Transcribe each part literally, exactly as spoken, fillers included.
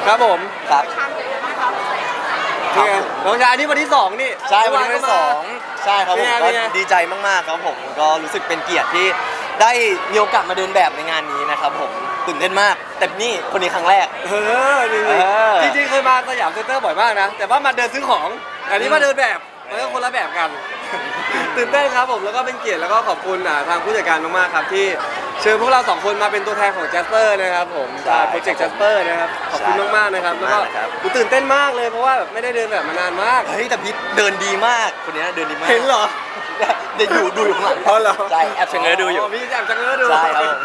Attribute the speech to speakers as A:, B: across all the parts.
A: ครับผม
B: ครับ
A: นี่ไงน้องชายอันนี้วันที่สองนี่
B: ใช่วันที่สองใช่ครับผมก็
A: เป็นไง
B: ดีใจมากๆครับผมก็รู้สึกเป็นเกียรติที่ได้มีโอกาสมาเดินแบบในงานนี้นะครับผมตื่นเต้นมากแต่นี่คนนี้ครั้งแรก
A: เออจริง
B: เออ
A: ๆจริงๆเคยมาสยามเซ็นเตอร์บ่อยมากนะแต่ว่ามาเดินซื้อของอันนี้มาเดินแบบมันก็คนละแบบกัน ตื่นเต้นครับผมแล้วก็เป็นเกียรติแล้วก็ขอบคุณอ่าทางผู้จัดการมากๆครับที่เชิญพวกเราสองคนมาเป็นตัวแทนของ Jasper นะครับผมโปรเจกต์ Jasper นะครับขอบคุณมากๆนะครับแล้วก็ผมตื่นเต้นมากเลยเพราะว่าแบบไม่ได้เดินแบบมานานมาก
B: เฮ้ยแต่พี่เดินดีมากคนนี้เดินดีมาก
A: เห็นเหรอ
B: เดี๋ยวอยู่ดูอยู่ข้างหลัง
A: อ๋อเหรอ
B: ใช่แอบเชงเง้อดูอยู่
A: พี่แอบจังเง้อดู
B: ใช่ครับผม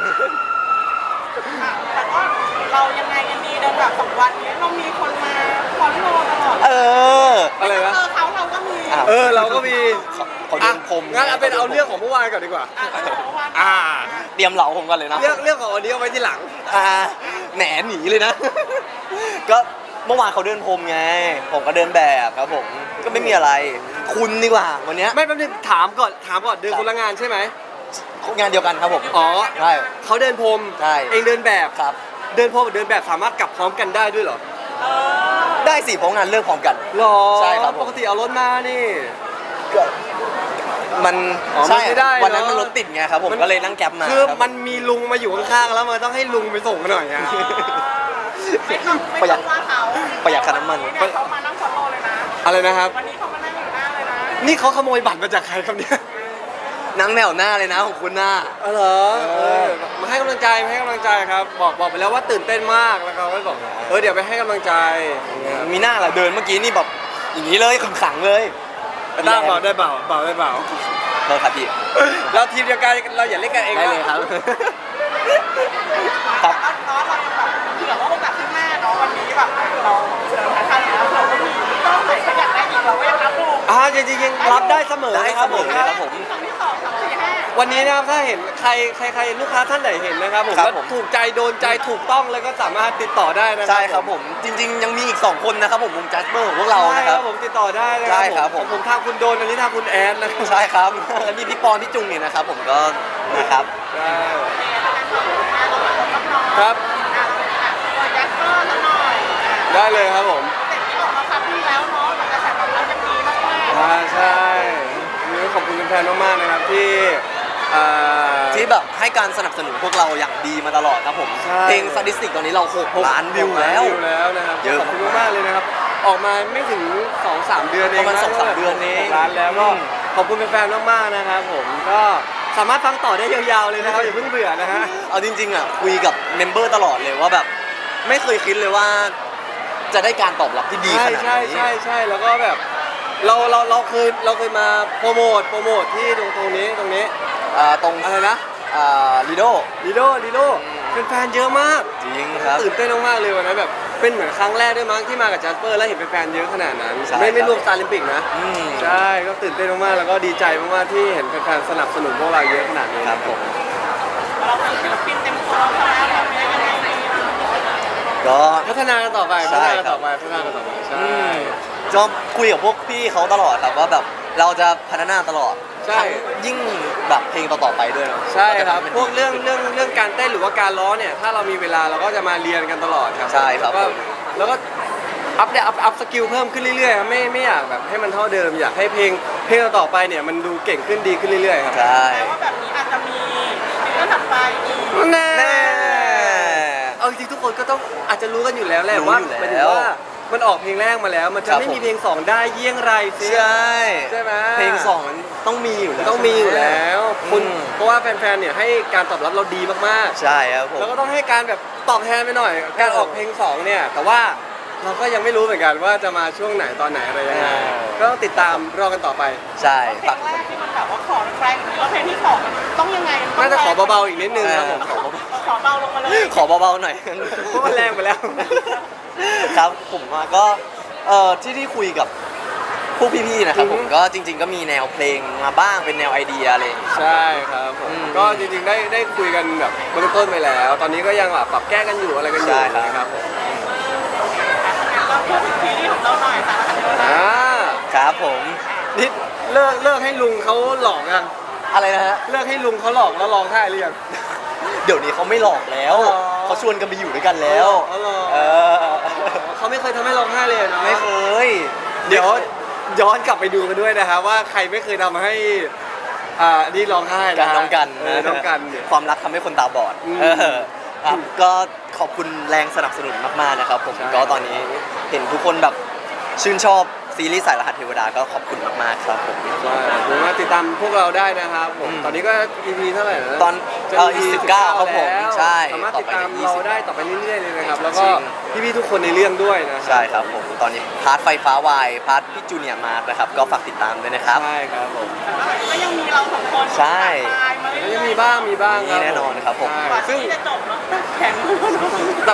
C: แต่ว่าเรายังไงกันดีเดินแบบสองวันเนี้ยเรามีคนมาฟอลโล่ตลอด
B: เออ
A: อะไร
C: เจ
A: วะ
C: อเขาเราก็มี
B: อ้าว
A: เออเราก็มี
B: เขาเขาเดินพรม
A: งั้นเอาเป็นเอาเรื่องของเมื่อวานก่อนดีกว่า
C: อ่ะเมื่อวาน
A: อ่า
B: เตรียมเหลาผมกันเลยนะ
A: เรื่องเรื่องของวันนี้เอาไว้ที่หลัง
B: อ่าแหมหนีเลยนะ ก็เมื่อวานเขาเดินพรมไง ผมก็เดินแบบครับผมก็ไม่มีอะไร คุณดีกว่าวันเนี้ย
A: ไม่แป๊บนึงถามก่อนถามก่อนเดินคนละงานใช่ไหม
B: งานเดียวกันครับผม
A: อ๋อ
B: ใช่
A: เขาเดินพรม
B: ใช่
A: เองเดินแบบ
B: ครับ
A: เดินพรมกับเดินแบบสามารถกลับพร้อมกันได้ด้วยเหรอ
B: ได้สิเพราะงานเลิกพร้อมกัน
A: หรอ
B: ใช่ครับผม
A: ปกติเอารถมานี่
B: ก็มัน
A: อ๋อ
B: ใช่
A: มันไม่ได้เนอะ
B: วันนั้นมันรถติดไงครับผมก็เลยนั่งแก๊ปมา
A: คือ
B: รับ
A: มันมีลุงมาอยู่ข้างๆแล้วมันต้องให้ลุงไปส่งหน่อยอะ
C: ไม่ต้องไม่ต้องว่าเขา
B: ประหยัดค่าน้ำมัน
C: วัเนี่ยเขามานั่งฟอลโล่เลยนะ
A: อะไรนะครับ
C: วันนี้เขามานั่งอยู่หน้าเลยนะ
A: นี่เขาขโมยบัตรมาจากใครครับเนี่ย
B: นั่งแนวหน้าเลยนะของคุณหน้า
A: เออเหรอ
B: เออ
A: เออมาให้กำลังใจมาให้กำลังใจครับ บอกบอกไปแล้วว่าตื่นเต้นมากแล้วเขาก็บอกเออเดี๋ยวไปให้กำลังใจอย่างเงี้ย
B: มีหน้าแหละเดินเมื่อกี้นี่แบบอย่างนี้เลยขึงขังเลย
A: แต่ต้าเบาได้เบาเบาได้เบา
B: โทษครับพี่
A: เราทีมเดียวกันเราอย่าเล่นกันเอง
B: ได้เลยครับ ครับ
C: แล้วเนาะเรายังแบบเผื่อว่าโอกาสข้างหน้าเนาะวันนี้แบบเราเจอทันแล้วเราก็มีต้องไหนก็อยากได้อีกเราก็ยังรับดู
A: อ่าจริงๆยังรับได้เสมอ
B: ได้
A: นะครับ
B: เสมอ
A: ผม
B: ครับผม
C: สองที่สองสามสี่ห้า
A: วันนี้นะครับถ้าเห็นใครใครใครลูกค้าท่านไหนเห็นนะครับผม
B: ครับ
A: แล้ว
B: ผม
A: ถูกใจโดนใจถูกต้องแล้วก็สามารถติดต่อได้นะ
B: ใช่ครับผมจริง ๆ ยังมีอีกสองคนนะครับผมวงจัสเปอร์ของพวกเรา
A: ใช่
B: นะ
A: ค
B: ค
A: รั
B: รั
A: บบ ผมติดต่อได้นะ
B: ใช่ครับผม
A: ผมทางคุณโดนอันนี้ทางคุณแอนนะครับ
B: ใช่ครับแล้วมีพี่ปอนพี่จุงเนี่ยนะครับผมก็นะครับ
A: ใช่
C: ค
A: ค
C: รั
A: รั
C: บบ อ่ะอ่ะตัวยักษ์ก็สักหน่อยอ่ะ
A: ได้เลยครับผม
C: เสร็จที่ออกมาครั้งที่แล้วเนาะมันกระแสตอบรับยังดีมากๆ
A: อ่าใช่วันนี้ขอบคุณแฟนๆมากๆนะครับที่อ่า
B: ที่แบบให้การสนับสนุนพวกเราอย่างดีมาตลอดครับผม
A: ใช่
B: เพลงสถิติตอนนี้เราหกล้านวิวแล้ว
A: วิวแล้วนะครับ
B: เยอะ
A: ขอบคุณมากๆเลยนะครับ ออกมาไม่ถึง สองสาม เดือนเอง
B: ประมาณสองสามเดือนเอง
A: หกล้านแล้วก็
B: อืม
A: ขอบคุณแฟนๆมากๆนะครับผมก็สามารถฟังต่อได้ยาวๆเลยนะครับอย่าเพิ่งเบื่อนะฮะ
B: เอาจริงๆอ่ะคุยกับเมมเบอร์ตลอดเลยว่าแบบไม่เคยคิดเลยว่า จะได้การตอบรับที่ดีข
A: ใช่
B: นาด
A: ใช่
B: นี้
A: ใช่ใช่แล้วก็แบบเราเราเราเคยเราเคยมาโปรโมทโปรโมทที่ตรงตรงนี้ตรงนี้
B: อ่าตรง
A: อะไรนะ
B: อ่าลีโด
A: ลีโดลีโดแฟนๆเยอะมาก
B: จริงครับ
A: ตื่นเต้นมากๆเลยวันนั้นแบบเป็นเหมือนครั้งแรกด้วยมั้งที่มากับจัสเปอร์แล้วเห็นแฟนๆเยอะขนาดนั้น
B: ใช่
A: ไม่ไม่
B: ครับ
A: รวมซาลิมปิกนะ
B: อืม
A: ใช่ก็ตื่นเต้นมากๆแล้วก็ดีใจมากๆที่เห็นแฟนๆสนับสนุนพวกเราเยอะขนาดนี้
B: ครับผม
C: เราเป็นศิลปินเต็มตัวแล้วแบบนี้ยังไงดี
B: ก็
A: พัฒนากันต่อไป
B: ใช่
A: พัฒนากัน
B: ครับ
A: ต่อไปพัฒนากันต่อไปใช่
B: อืมก็คุยกับพวกพี่เขาตลอดครับว่าแบบเราจะพัฒนาตลอด
A: ใช่
B: ทั้งยิ่งแบบเพลงต่อๆไปด้วยเนอะ
A: ใช่ครับ
B: าจะทำให้มัน
A: พวกเรื่องเรื่องเรื่องการเต้นหรือว่าการร้องเนี่ยถ้าเรามีเวลาเราก็จะมาเรียนกันตลอดครับ
B: ใช่ครับ
A: แล้วก็
B: ผม
A: แล้วก็อัพเดตอัพอัพสกิลเพิ่มขึ้นเรื่อยๆครับไม่ไม่อยากแบบให้มันเท่าเดิมอยากให้เพลงเพลงต่อๆไปเนี่ยมันดูเก่งขึ้นดีขึ้นเรื่อยๆครับ
B: ใช่
C: แปลว่าแบบนี้อาจจะมีซิงเกิลถัดไปอีก
A: แน่
B: แน่
A: เอาจริงๆทุกคนก็ต้องอาจจะรู้กันอยู่แล้วแหละ
B: รู้
A: ว่า
B: อยู่
A: หมายถึ
B: แล้
A: ง
B: ว
A: ว่ามันออกเพลงแรกมาแล้ว มันจะ
B: ครับ
A: ไม่มี
B: ผม
A: เพลงสองได้เยี่ยงไรสิ
B: ใช่
A: ใช่ไหม
B: เพลงสองมันต้องมีอยู่แล้ว
A: ต้องมีอยู่แล้วคุณ
B: อืม
A: เพราะว่าแฟนๆเนี่ยให้การตอบรับเราดีมาก
B: ใช่ครับผ
A: ๆ
B: ม
A: แล้วก็ต้องให้การแบบตอบแทนไปหน่อย การออกเพลงสองเนี่ยแต่ว่าเราก็ยังไม่รู้เหมือนกันว่าจะมาช่วงไหนตอนไหนอะไรยังไง
B: อ่า
A: ก็ต้องติดตามรอกันต่อไป
B: ใช่
C: เพล
B: ฝาก
C: งแรกที่มันแบบว่าขอแรงๆแล้วเพลงที่สองมันต้องยังไงมั
A: น่าจะขอ
C: ต้ง
A: เบาๆอีกนิดนึงครับผม
B: เออ
C: ขอเบาลงมาเลย
B: ขอเบาๆหน่อย
A: เพราะมันแรงไปแล้ว
B: ครับผมว่าก็เอ่อที่ที่คุยกับพวกพี่ๆนะครับ
A: อือฮึ
B: ผมก็จริง ๆ ก็มีแนวเพลงมาบ้างเป็นแนวไอเดียอะไรอย่างเงี้ย
A: ใช่ครับผม
B: อืม
A: ก็จริงๆได้ได้คุยกันแบบเบื้องต้นไปแล้ว ตอนนี้ก็ยังแบบปรับแก้กันอยู่อะไรกันอยู่
B: ใช่ครับ
A: นะครับผม
C: เราพูดถึงซีรีส์ของเราหน่อยสารคดีนะ
A: อ่า
B: ครับผม
A: นี่เลิกเลิกให้ลุงเขาหลอกยัง
B: อะไรนะฮะ
A: เลิกให้ลุงเขาหลอกแล้วร้องไห้หรือยัง
B: เดี๋ยวนี้เขาไม่หลอกแล้ว
A: อ๋อ
B: เขาชวนกันไปอยู่ด้วยกันแล้ว
A: อ๋อเหรอ
B: เออ
A: เขาไม่เคยทำให้ร้องไห้เลยเนาะ
B: ไม่เคย
A: เดี๋ยวย้อนกลับไปดูกันด้วยนะครับว่าใครไม่เคยทำให้อ่านี่ร้องไห้
B: กั
A: นะ
B: นน้องกัน
A: เออน้องกันเนี่ย
B: ความรักทำให้คนตาบอด
A: อืม
B: เออครับก็ขอบคุณแรงสนับสนุนมากๆนะครับผม
A: ใช่
B: ก็ตอนนี้เห็นทุกคนแบบชื่นชอบซีรีส์สายรหัสเทวดาก็ขอบคุณมากๆครับผม
A: ใช่ผมว่าติดตามพวกเราได้นะครับผม
B: อืม
A: ตอนนี้ก็ อี พี เท่าไหร่นะ
B: ตอน
A: จะ
B: เอ่อ
A: อี พี
B: สิบเก้าครับผม
A: แล้ว
B: ใช่
A: สามารถติดตาม
B: ต่อไปใน
A: เรา
B: ยี่สิบ
A: ได้ต่อไปเรื่อยๆเลยนะครับ แล้วก็
B: จริง
A: พี่ๆทุกคนในเรื่องด้วยนะ
B: ใช่ครับผมตอนนี้พาร์ทไฟฟ้าวายพาร์ทพี่จูเนียร์มาร์คนะครับก็ฝากติดตามด้วยนะครับ
A: ใช่ครับผม
C: ก็ยังมีเราสองคน
B: ใช่
C: ตายมา
A: แล้ว
C: เรื่
A: ยั
C: อง ย
A: มีบ้างมีบ้างครับ
B: มีแน่นอนครับผม
A: ใช่
C: ๆกว่า
A: ซึ่ง
C: ที่จะจบเนาะแข็งมือเนาะ
A: แบบ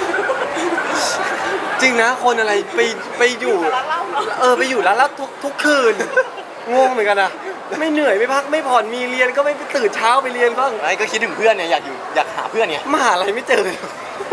A: จริงนะคนอะไรไปไปอยู่
C: ร้านเหล้าเนาะ
A: เออไปอยู่ร้านแล้วทุกทุกคืนงงเหมือนกันนะไม่เหนื่อยไม่พักไม่ผ่อนมีเรียนก็ไม่ไปตื่นเช้าไปเรียนบ้าง
B: ไอ้ก็คิดถึงเพื่อนเนี่ยอยากอยู่อยากหาเพื่อนเนี่ย
A: มหาอะไรไม่เจอเลย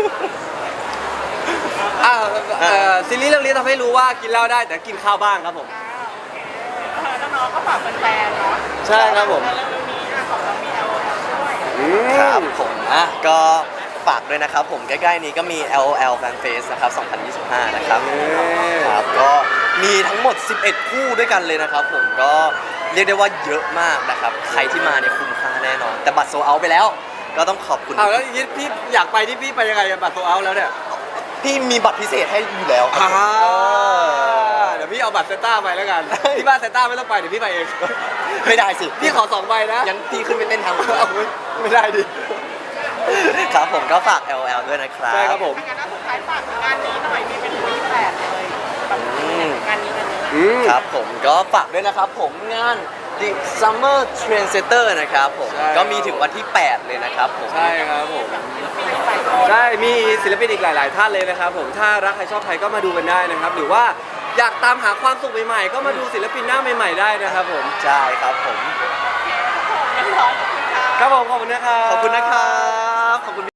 A: อ่าเอ่อซีรีส์เรื่องนี้ทำให้รู้ว่ากินเหล้าได้แต่กินข้าวบ้างครับผม
C: เออน้องๆก็ฝากแฟนๆเนาะ
A: ใช่ครับผม
C: แล้วเรื่องนี้อ่ะของเรามี แอล โอ แอล ด้วย
A: อืม
B: ครับผมอ่ะก็ฝากด้วยนะครับผมใกล้ๆนี้ก็มี แอล โอ แอล Fan Fest นะครับสองพันยี่สิบห้านะครับ
A: เย้
B: ครับก็มีทั้งหมด สิบเอ็ด คู่ด้วยกันเลยนะครับผมก็เรียกได้ว่าเยอะมากนะครับใครที่มาเนี่ยคุ้มค่าแน่นอน แต่บัตรโซเอาไปแล้ว ก็ต้องขอบคุณ
A: เอาแล้วอย่างนี้พี่อยากไปที่พี่ไปยังไงอะบัตรโซเอาแล้วเนี่ย
B: พี่มีบัตรพิเศษให้อยู่แล้วครับ
A: อ่า
B: เออ
A: เดี๋ยวพี่เอาบัตรเซนต้าไปแล้วกัน ที่บ้านเซนต้าไม่ต้องไปเดี๋ยวพี่ไปเอง
B: ไม่ได้สิ
A: พี่ขอสองใบนะ
B: งั้นพี่ขึ้นไปเต้นทางผม
A: เอาไม่ไม่ได้ดิ
B: ครับผมก็ฝาก แอล โอ แอล ด้วยนะครับ
A: ใช่ครับผม
C: ถ้างั้นสุดท้ายฝากงานนี้หน่อยมีเป็นวีแปดเลยแบบ
B: อืม
C: งานนี้งานนี้
A: อืม
B: ครับผมก็ฝากด้วยนะครับผมงาน The Summer Trendsetter นะครับผม
A: ใช่
B: ก็มีถึงวันที่ แปด เลยนะครับผม
A: ใช่ครับผม
C: มีหลายคน
A: ใช่ มีศิลปินอีกหลาย ๆ ท่านเลยนะครับผม ถ้ารักใครชอบใครก็มาดูกันได้นะครับ หรือว่าอยากตามหาความสุขใหม่ ๆ ก็มาดูศิลปินหน้าใหม่ ๆ ได้นะครับผม
B: ใช่ครับผม
C: เรียบร้อยขอบคุณค่ะ
A: ครับผม ขอบคุณนะครับ
B: ขอบคุณนะครับ ขอบคุณ